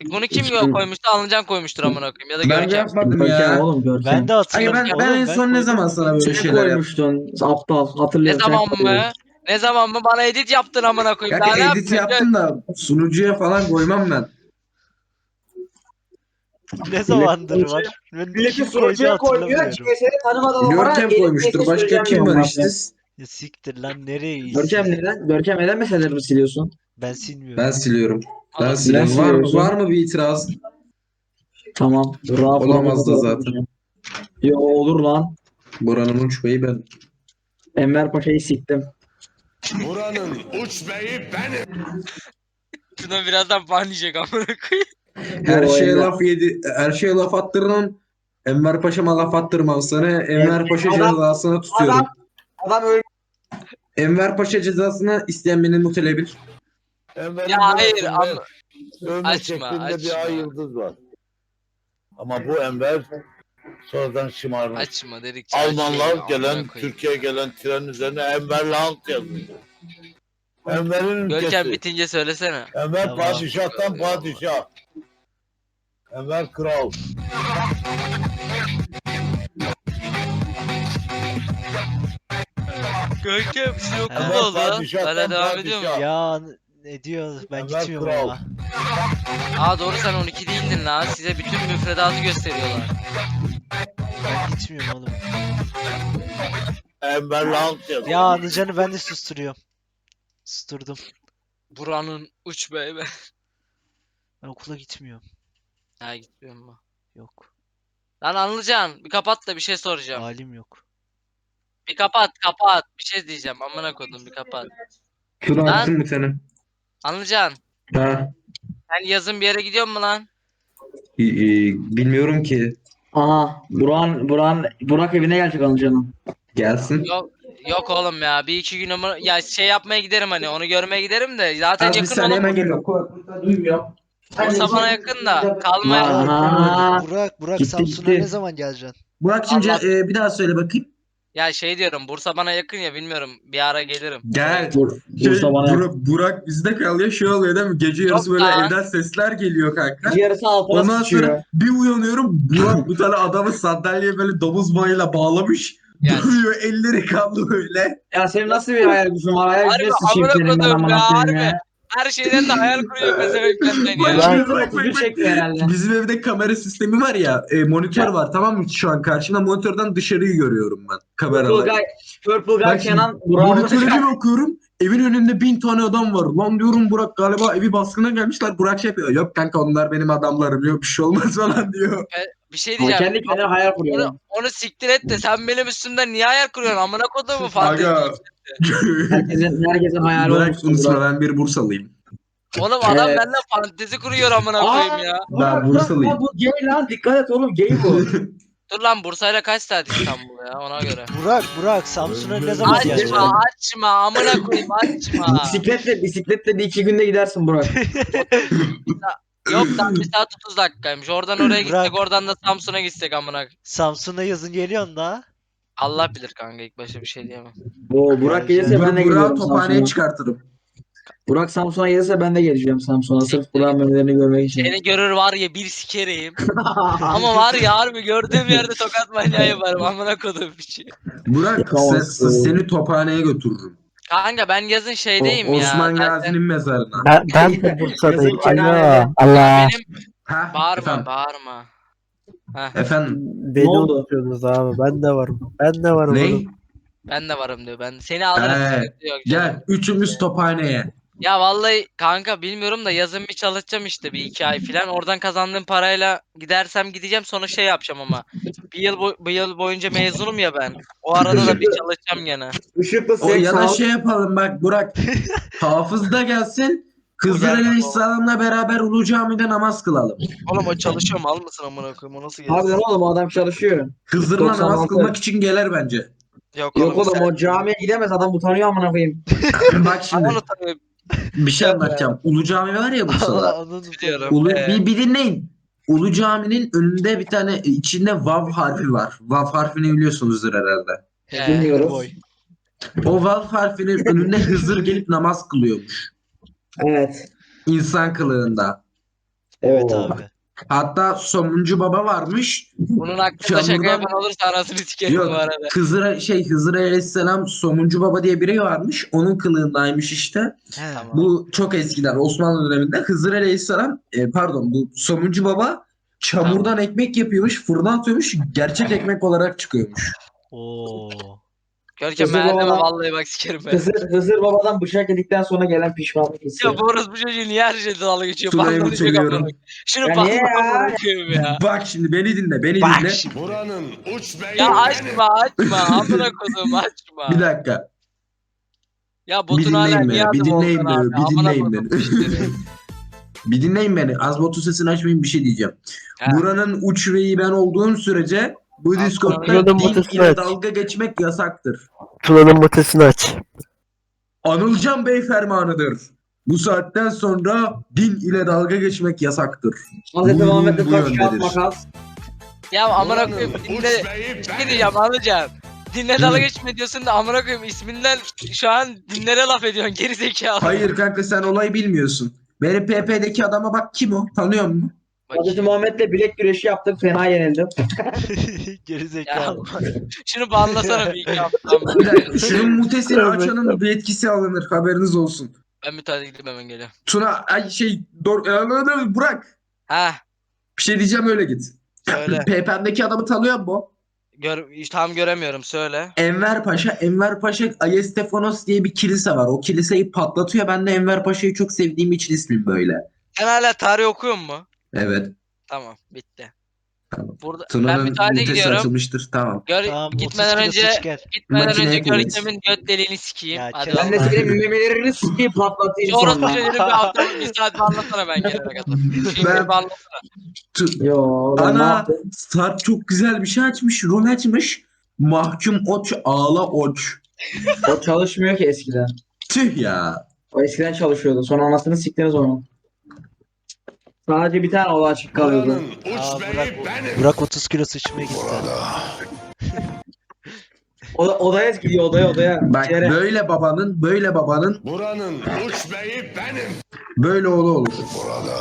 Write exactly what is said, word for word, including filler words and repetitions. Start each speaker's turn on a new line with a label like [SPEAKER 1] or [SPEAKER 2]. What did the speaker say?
[SPEAKER 1] Bunu kim
[SPEAKER 2] İçtim.
[SPEAKER 1] koymuştu? Alıncan koymuştur amına koyayım ya da
[SPEAKER 3] Ben de
[SPEAKER 1] Görkem.
[SPEAKER 3] yapmadım
[SPEAKER 2] Görkem
[SPEAKER 3] ya.
[SPEAKER 2] oğlum Görkem.
[SPEAKER 4] Ben de
[SPEAKER 3] Ay
[SPEAKER 4] hatırlamıyorum.
[SPEAKER 3] ben, ben en
[SPEAKER 4] Oğlum,
[SPEAKER 3] son ne
[SPEAKER 4] koydum
[SPEAKER 3] zaman
[SPEAKER 4] mu
[SPEAKER 3] sana böyle
[SPEAKER 4] bilmiyorum.
[SPEAKER 2] Sen
[SPEAKER 3] şeyler yaptım?
[SPEAKER 2] koymuştun. Aptal.
[SPEAKER 1] Ne
[SPEAKER 2] Hatırlıyorum sen
[SPEAKER 1] zaman
[SPEAKER 2] koydun.
[SPEAKER 1] mı? Ne zaman mı? Bana edit yaptın amına koyayım.
[SPEAKER 3] Kanka
[SPEAKER 1] Daha ne
[SPEAKER 3] edit
[SPEAKER 1] yapayım?
[SPEAKER 3] yaptım da sunucuya falan koymam ben.
[SPEAKER 4] Ne zamandır var? Ben
[SPEAKER 2] Milleti
[SPEAKER 4] kim koydu
[SPEAKER 2] sunucuya koymuyor.
[SPEAKER 4] hatırlamıyorum.
[SPEAKER 2] Kimseni tanımadan adamlara
[SPEAKER 3] Görkem
[SPEAKER 2] edit
[SPEAKER 3] koymuştur.
[SPEAKER 2] geçe
[SPEAKER 3] Başka
[SPEAKER 2] süreceğim
[SPEAKER 3] kim
[SPEAKER 2] diyorum
[SPEAKER 3] var
[SPEAKER 2] bak
[SPEAKER 3] işte?
[SPEAKER 2] ya.
[SPEAKER 4] Ya siktir lan, nereye
[SPEAKER 2] Görkem
[SPEAKER 4] iyisin?
[SPEAKER 2] neden? Görkem neden meselerini siliyorsun?
[SPEAKER 4] Ben silmiyorum.
[SPEAKER 3] Ben siliyorum. Ben
[SPEAKER 1] Oğlum,
[SPEAKER 3] siliyorum.
[SPEAKER 2] Neden
[SPEAKER 3] Var mı,
[SPEAKER 2] siliyorsun?
[SPEAKER 3] var mı bir itiraz?
[SPEAKER 2] Tamam. Rahat
[SPEAKER 3] Olamaz da zaten.
[SPEAKER 2] Yo olur lan.
[SPEAKER 3] Buranın uç beyi ben.
[SPEAKER 2] Enver Paşa'yı siktim.
[SPEAKER 5] Buranın uç beyi benim.
[SPEAKER 1] Şuna birazdan ban yiyecek amına koyayım.
[SPEAKER 3] Her
[SPEAKER 2] Yo,
[SPEAKER 3] şeye
[SPEAKER 2] Enver-
[SPEAKER 3] laf yedi. Her şeye laf attırın. Enver Paşa'ma laf attırmam sana. Enver Paşa
[SPEAKER 2] Adam-
[SPEAKER 3] cezasını tutuyorum.
[SPEAKER 2] Adam adam öyle.
[SPEAKER 3] Enver Paşa cezasını isteyen beni mutelebilir.
[SPEAKER 5] Enver'in
[SPEAKER 1] Ya hayır
[SPEAKER 5] burasında
[SPEAKER 1] ama
[SPEAKER 5] dövme
[SPEAKER 1] açma,
[SPEAKER 5] şeklinde
[SPEAKER 1] açma.
[SPEAKER 5] bir ay yıldız var. Ama bu Enver sonradan şımarmış.
[SPEAKER 1] açma dedikçe
[SPEAKER 5] Almanlar
[SPEAKER 1] açıyor,
[SPEAKER 5] gelen,
[SPEAKER 1] amına koyayım.
[SPEAKER 5] Türkiye'ye gelen tren üzerine Enver Land yazıyor. Enver'in
[SPEAKER 1] Görkem
[SPEAKER 5] ülkesi.
[SPEAKER 1] bitince söylesene.
[SPEAKER 5] Enver
[SPEAKER 4] Tamam.
[SPEAKER 5] padişahtan padişah. Enver kral.
[SPEAKER 1] Görkem sizin okul
[SPEAKER 4] Evet,
[SPEAKER 1] ne oldu lan?
[SPEAKER 5] padişahtan
[SPEAKER 1] Hala devam ediyor mu?
[SPEAKER 5] padişah.
[SPEAKER 4] Ya ne diyor? Ben
[SPEAKER 5] Enver
[SPEAKER 4] gitmiyorum
[SPEAKER 5] kral.
[SPEAKER 4] ama.
[SPEAKER 1] Aa doğru sen on iki değildin lan. Size bütün müfredatı gösteriyorlar.
[SPEAKER 4] Ben gitmiyorum oğlum.
[SPEAKER 5] Enver Land yazıyor.
[SPEAKER 4] Ya Anılcan'ı ben de susturuyorum. Susturdum.
[SPEAKER 1] Buranın uç be be.
[SPEAKER 4] Ben okula gitmiyorum.
[SPEAKER 1] Ha gitmiyorum mu?
[SPEAKER 4] Yok.
[SPEAKER 1] Lan Anılcan bir kapat da bir şey soracağım.
[SPEAKER 4] Halim yok.
[SPEAKER 1] Bir kapat kapat. Bir şey diyeceğim. Amına kodum bir kapat.
[SPEAKER 3] Şunu
[SPEAKER 1] Lan.
[SPEAKER 3] attım bir tane.
[SPEAKER 1] Anılcan
[SPEAKER 3] Ha.
[SPEAKER 1] sen yazın bir yere gidiyor mu lan?
[SPEAKER 3] İ- i- bilmiyorum ki.
[SPEAKER 2] Aha. Buran Buran Burak evine gelecek Anılcan'ın.
[SPEAKER 3] Gelsin.
[SPEAKER 1] Yok yok oğlum ya. Bir iki gün ama ya şey yapmaya giderim hani onu görmeye giderim de zaten
[SPEAKER 3] Az bir
[SPEAKER 1] yakın
[SPEAKER 3] saniye
[SPEAKER 1] oğlum.
[SPEAKER 3] hemen geliyorum. Kulaklıkla duymuyorum.
[SPEAKER 1] Bursa bana yakın da kalmaya.
[SPEAKER 2] Aha.
[SPEAKER 4] Burak, Burak
[SPEAKER 2] Gitti,
[SPEAKER 4] Samsun'a
[SPEAKER 2] gitti.
[SPEAKER 4] ne zaman geleceksin?
[SPEAKER 3] Burak şimdi
[SPEAKER 1] Allah-
[SPEAKER 3] e, bir daha söyle bakayım.
[SPEAKER 1] Ya şey diyorum Bursa bana yakın ya bilmiyorum bir ara gelirim.
[SPEAKER 3] Gel.
[SPEAKER 2] Bur
[SPEAKER 3] Şey,
[SPEAKER 2] Bursa bana.
[SPEAKER 3] Burak, Burak bizde kalıyor şey oluyor değil mi? Gece yarısı
[SPEAKER 1] Yok
[SPEAKER 3] böyle
[SPEAKER 1] lan.
[SPEAKER 3] evden sesler geliyor kanka.
[SPEAKER 2] Yarısı altına
[SPEAKER 3] Ondan
[SPEAKER 2] sıçıyor.
[SPEAKER 3] sonra bir uyanıyorum Burak bir tane adamı sandalyeye böyle domuz bağıyla bağlamış.
[SPEAKER 1] Yani.
[SPEAKER 3] Duruyor elleri kanlı böyle.
[SPEAKER 2] Ya senin nasıl bir hayal gücün var? Hayal
[SPEAKER 1] Harbi
[SPEAKER 2] gücüne sıçayım
[SPEAKER 1] amına
[SPEAKER 2] senin ben
[SPEAKER 1] kodum
[SPEAKER 2] amına
[SPEAKER 1] ya,
[SPEAKER 2] koyayım
[SPEAKER 1] harbi.
[SPEAKER 2] ya.
[SPEAKER 1] Her şeyden de hayal kuruyor pezevenk benden
[SPEAKER 3] Bak
[SPEAKER 1] ya.
[SPEAKER 3] şimdi,
[SPEAKER 2] Burak'ın
[SPEAKER 3] bak,
[SPEAKER 2] otuz
[SPEAKER 3] bak,
[SPEAKER 2] bir
[SPEAKER 3] bak.
[SPEAKER 2] çekmiyor herhalde.
[SPEAKER 3] Bizim evde kamera sistemi var ya e, monitör
[SPEAKER 2] Ya.
[SPEAKER 3] var tamam mı şu an karşımda monitörden dışarıyı görüyorum ben
[SPEAKER 2] Purple
[SPEAKER 3] kameraları.
[SPEAKER 2] Guy, Purple Guy
[SPEAKER 3] Bak şimdi,
[SPEAKER 2] Kenan Burak'ı
[SPEAKER 3] monitöre bir bakıyorum evin önünde bin tane adam var. Lan diyorum Burak galiba evi baskına gelmişler. Burak şey yapıyor. Yok kanka onlar benim adamlarım yok bir şey olmaz falan diyor.
[SPEAKER 1] Bir şey
[SPEAKER 2] Ama
[SPEAKER 1] diyeceğim.
[SPEAKER 2] kendi kendine hayal kuruyor.
[SPEAKER 1] Onu, onu siktir et de sen benim üstümden niye hayal kuruyorsun? Amına kodumu fantezi.
[SPEAKER 3] Aga.
[SPEAKER 2] Herkesin, herkesin hayali
[SPEAKER 3] Burak
[SPEAKER 2] olmuştur
[SPEAKER 3] unutma
[SPEAKER 2] Burak.
[SPEAKER 3] ben bir Bursalıyım.
[SPEAKER 1] Oğlum adam
[SPEAKER 2] Evet.
[SPEAKER 1] benden fantezi kuruyor amına koyayım ya.
[SPEAKER 3] Ben
[SPEAKER 2] Burak,
[SPEAKER 3] Bursalıyım.
[SPEAKER 2] Burak, bu gay lan dikkat et oğlum gay bu.
[SPEAKER 1] Dur lan Bursa'yla kaç saat İstanbul ya ona göre.
[SPEAKER 4] Burak, Burak Samsun'a ne zaman geleceksin?
[SPEAKER 1] Açma açma amına koyayım açma.
[SPEAKER 2] bisikletle bisikletle bir iki günde gidersin Burak.
[SPEAKER 1] Yok lan bir saat otuz dakikaymış. Oradan oraya gitsek
[SPEAKER 4] Bırak.
[SPEAKER 1] oradan da Samsun'a gitsek amına.
[SPEAKER 4] Samsun'a yazın geliyorsun da.
[SPEAKER 1] Allah bilir kanka ilk başta bir şey diyemem.
[SPEAKER 2] Bu Burak gelirse ben de
[SPEAKER 3] Burak
[SPEAKER 2] geliyorum
[SPEAKER 3] Burak'ı tophaneye
[SPEAKER 2] Samsun'a.
[SPEAKER 3] çıkartırım.
[SPEAKER 2] Burak Samsun'a gelirse ben de geleceğim Samsun'a sırf
[SPEAKER 1] Siktir
[SPEAKER 2] Burak'ın memelerini görmek için.
[SPEAKER 1] Seni görür var ya bir sikereyim. Ama var ya harbi gördüğüm yerde tokat manyağı yaparım amına kodum bir şey.
[SPEAKER 3] Burak
[SPEAKER 2] Yapamazsın.
[SPEAKER 3] se- seni tophaneye götürürüm.
[SPEAKER 1] Kanka ben yazın şeydeyim
[SPEAKER 3] O-
[SPEAKER 1] ya.
[SPEAKER 3] Osman
[SPEAKER 1] zaten.
[SPEAKER 3] Gazi'nin mezarına.
[SPEAKER 6] Ben, ben de Bursa'dayım.
[SPEAKER 2] Yazık kenarda.
[SPEAKER 6] Alo. Allah.
[SPEAKER 1] Benim
[SPEAKER 3] Ha,
[SPEAKER 1] bağırma
[SPEAKER 3] efendim.
[SPEAKER 1] bağırma. Heh,
[SPEAKER 3] Efendim.
[SPEAKER 6] Beni
[SPEAKER 2] Ne oldu?
[SPEAKER 6] unutuyorsunuz abi. Ben de varım. Ben de varım.
[SPEAKER 3] Ne?
[SPEAKER 6] oğlum.
[SPEAKER 1] ben de varım diyor. Ben seni alırım.
[SPEAKER 3] Ee,
[SPEAKER 1] sıkıntı yok canım.
[SPEAKER 3] Gel üçümüz tophaneye.
[SPEAKER 1] Ya vallahi kanka bilmiyorum da yazın bir çalışacağım işte bir iki ay falan. Oradan kazandığım parayla gidersem gideceğim sonra şey yapacağım ama. Bir yıl, boy- bir yıl boyunca mezunum ya ben. O arada da bir çalışacağım gene.
[SPEAKER 2] Işıklı
[SPEAKER 3] O
[SPEAKER 2] seks
[SPEAKER 3] ya da
[SPEAKER 2] al.
[SPEAKER 3] şey yapalım bak Burak. Hafız da gelsin. Kızlar
[SPEAKER 1] gelmez
[SPEAKER 3] Aleyhisselam'la beraber Ulu Cami'de namaz kılalım.
[SPEAKER 1] Oğlum o çalışıyor mal mısın amına koyayım o nasıl gelsin?
[SPEAKER 2] Harbiden oğlum o adam çalışıyor.
[SPEAKER 3] Hızır'la
[SPEAKER 2] doksan
[SPEAKER 3] namaz
[SPEAKER 2] altı.
[SPEAKER 3] kılmak için gelir bence.
[SPEAKER 1] Yok
[SPEAKER 2] Yok oğlum
[SPEAKER 1] sen-
[SPEAKER 2] o camiye gidemez adam utanıyor amına koyayım.
[SPEAKER 3] Bak şimdi
[SPEAKER 1] Aman utanıyorum.
[SPEAKER 3] bir şey anlatacağım. Ulu Cami var ya Bursa'da.
[SPEAKER 4] Anladım.
[SPEAKER 1] Biliyorum.
[SPEAKER 3] Ulu,
[SPEAKER 1] Ee,
[SPEAKER 3] bir, bir dinleyin. Ulu Cami'nin önünde bir tane içinde Vav harfi var. Vav harfini biliyorsunuzdur herhalde.
[SPEAKER 1] ee,
[SPEAKER 2] Bilmiyoruz.
[SPEAKER 4] Boy.
[SPEAKER 3] O Vav harfinin önünde Hızır gelip namaz kılıyormuş.
[SPEAKER 2] Evet.
[SPEAKER 3] İnsan kılığında.
[SPEAKER 4] Evet
[SPEAKER 3] Oo.
[SPEAKER 4] abi.
[SPEAKER 3] Hatta Somuncu Baba varmış.
[SPEAKER 1] Bunun hakkında şaka
[SPEAKER 3] Çamurdan-
[SPEAKER 1] yapan olursa anasını sikerim
[SPEAKER 3] Yok,
[SPEAKER 1] bu arada.
[SPEAKER 3] Hızır şey Hızır Aleyhisselam Somuncu Baba diye biri varmış. Onun kılığındaymış işte.
[SPEAKER 4] He.
[SPEAKER 1] Tamam.
[SPEAKER 3] Bu çok eskiden Osmanlı döneminde Hızır Aleyhisselam e, pardon bu Somuncu Baba çamurdan ekmek yapıyormuş, fırına atıyormuş, gerçek ekmek olarak çıkıyormuş.
[SPEAKER 4] Oo.
[SPEAKER 1] Görkem
[SPEAKER 2] Hızır
[SPEAKER 1] ben
[SPEAKER 2] babadan-
[SPEAKER 1] vallahi bak sikerim ben.
[SPEAKER 2] Hızır, Hızır babadan bıçak yedikten sonra gelen pişmanlık hissi.
[SPEAKER 1] Ya bu orospu çocuğu niye her şeyde dalga geçiyor?
[SPEAKER 3] Tuna'yı
[SPEAKER 1] Banlanacak
[SPEAKER 3] mutluyorum.
[SPEAKER 1] amına. Şunu
[SPEAKER 2] Ya niye
[SPEAKER 1] banlamam
[SPEAKER 2] ya?
[SPEAKER 1] koyayım ya.
[SPEAKER 3] Bak şimdi beni dinle, beni
[SPEAKER 4] Bak
[SPEAKER 3] dinle.
[SPEAKER 4] şimdi.
[SPEAKER 5] Buranın uç beyi
[SPEAKER 1] Ya
[SPEAKER 5] benim.
[SPEAKER 1] açma açma amına kodum açma.
[SPEAKER 3] Bir dakika.
[SPEAKER 1] Ya
[SPEAKER 3] Bir
[SPEAKER 1] botun hala
[SPEAKER 3] dinleyin
[SPEAKER 1] niye
[SPEAKER 3] beni, bir
[SPEAKER 1] adı
[SPEAKER 3] dinleyin
[SPEAKER 1] Volkan abi?
[SPEAKER 3] beni, bir
[SPEAKER 1] Amına
[SPEAKER 3] dinleyin
[SPEAKER 1] kodum
[SPEAKER 3] beni.
[SPEAKER 1] işleri.
[SPEAKER 3] Bir dinleyin beni. Az botu sesini açmayın, bir şey diyeceğim.
[SPEAKER 1] Ha.
[SPEAKER 3] Buranın uç beyi ben olduğum sürece bu
[SPEAKER 1] Tamam,
[SPEAKER 3] Discord'da
[SPEAKER 6] Tuna'nın
[SPEAKER 3] din
[SPEAKER 6] mutesini
[SPEAKER 3] ile
[SPEAKER 6] aç.
[SPEAKER 3] dalga geçmek yasaktır.
[SPEAKER 6] Tuna'nın mutesini aç.
[SPEAKER 3] Anılcan Bey fermanıdır. Bu saatten sonra din ile dalga geçmek yasaktır.
[SPEAKER 2] Hazreti
[SPEAKER 3] Buyruğum
[SPEAKER 2] Muhammed'le
[SPEAKER 3] bu
[SPEAKER 2] taş kağıt
[SPEAKER 3] yöndedir.
[SPEAKER 2] makas.
[SPEAKER 1] Ya amına
[SPEAKER 5] Buranın
[SPEAKER 1] koyayım
[SPEAKER 5] uç
[SPEAKER 1] dinle.
[SPEAKER 5] beyi
[SPEAKER 1] Bir şey
[SPEAKER 5] benim.
[SPEAKER 1] diyeceğim anlayacağım. Dinle dalga geçme diyorsun da amına koyayım isminden şu an dinlere laf ediyorsun geri zekalı.
[SPEAKER 3] Hayır kanka sen olayı bilmiyorsun. Benim P P'deki adama bak kim o? Tanıyor musun?
[SPEAKER 2] Hazreti
[SPEAKER 1] Bakayım.
[SPEAKER 2] Muhammed'le bilek güreşi yaptık. Fena yenildim.
[SPEAKER 4] Geri
[SPEAKER 1] Ya,
[SPEAKER 4] zekalı.
[SPEAKER 1] şunu banlasana bir iki hafta.
[SPEAKER 3] Bir dakika şunun mutesini açanın bir etkisi alınır haberiniz olsun.
[SPEAKER 1] Ben bir tane gidip hemen geliyorum.
[SPEAKER 3] Tuna ay şey Dor e, Burak
[SPEAKER 1] Ha
[SPEAKER 3] bir şey diyeceğim öyle git.
[SPEAKER 1] söyle.
[SPEAKER 3] P P'deki adamı tanıyor musun?
[SPEAKER 1] Gör, tam göremiyorum söyle.
[SPEAKER 3] Enver Paşa, Enver Paşa Ayestefanos diye bir kilise var. O kiliseyi patlatıyor. Ben de Enver Paşa'yı çok sevdiğim için ismim böyle.
[SPEAKER 1] Sen hala tarih okuyor mu?
[SPEAKER 3] Evet.
[SPEAKER 1] Tamam bitti.
[SPEAKER 3] Tamam.
[SPEAKER 1] Burada ben
[SPEAKER 3] Tuna'nın
[SPEAKER 1] bir tane
[SPEAKER 3] mutesi
[SPEAKER 1] gidiyorum.
[SPEAKER 3] açılmıştır. Tamam.
[SPEAKER 1] Gör,
[SPEAKER 4] Tamam
[SPEAKER 1] gitmeden
[SPEAKER 4] otuz kilo
[SPEAKER 1] önce
[SPEAKER 4] sıç gel.
[SPEAKER 1] gitmeden
[SPEAKER 3] Makineye
[SPEAKER 1] önce
[SPEAKER 3] koy.
[SPEAKER 1] Görkem'in göt deliğini sikeyim.
[SPEAKER 4] Ya
[SPEAKER 1] Hadi
[SPEAKER 4] kes
[SPEAKER 2] Ben de
[SPEAKER 1] vallahi.
[SPEAKER 2] senin memelerini sikeyim patlatayım
[SPEAKER 1] Şu orospu
[SPEAKER 2] sonra.
[SPEAKER 1] çocuğunu bir hafta bir saat bağlasana ben gelene kadar. Şimdi
[SPEAKER 3] Ben-
[SPEAKER 1] bağlasana.
[SPEAKER 3] Tu-
[SPEAKER 2] Yo ben ne
[SPEAKER 3] Ana
[SPEAKER 2] yaptım?
[SPEAKER 3] Sarp çok güzel bir şey açmış. Rol açmış. Mahkum Oç Ağla Oç.
[SPEAKER 2] O çalışmıyor ki eskiden.
[SPEAKER 3] Tüh ya.
[SPEAKER 2] O eskiden çalışıyordu. Sonra anasını siktiniz onu. Sadece bir tane oda açık kalıyordu.
[SPEAKER 5] Buranın
[SPEAKER 4] Aa,
[SPEAKER 5] uç beyi
[SPEAKER 4] Burak,
[SPEAKER 5] benim.
[SPEAKER 4] Burak otuz kilo sıçmaya gitti.
[SPEAKER 2] Oda, odaya gidiyor odaya odaya.
[SPEAKER 3] Bak
[SPEAKER 2] İçeri.
[SPEAKER 3] böyle babanın böyle babanın
[SPEAKER 5] Buranın uç beyi benim.
[SPEAKER 3] böyle oğlu olur.
[SPEAKER 5] Burada.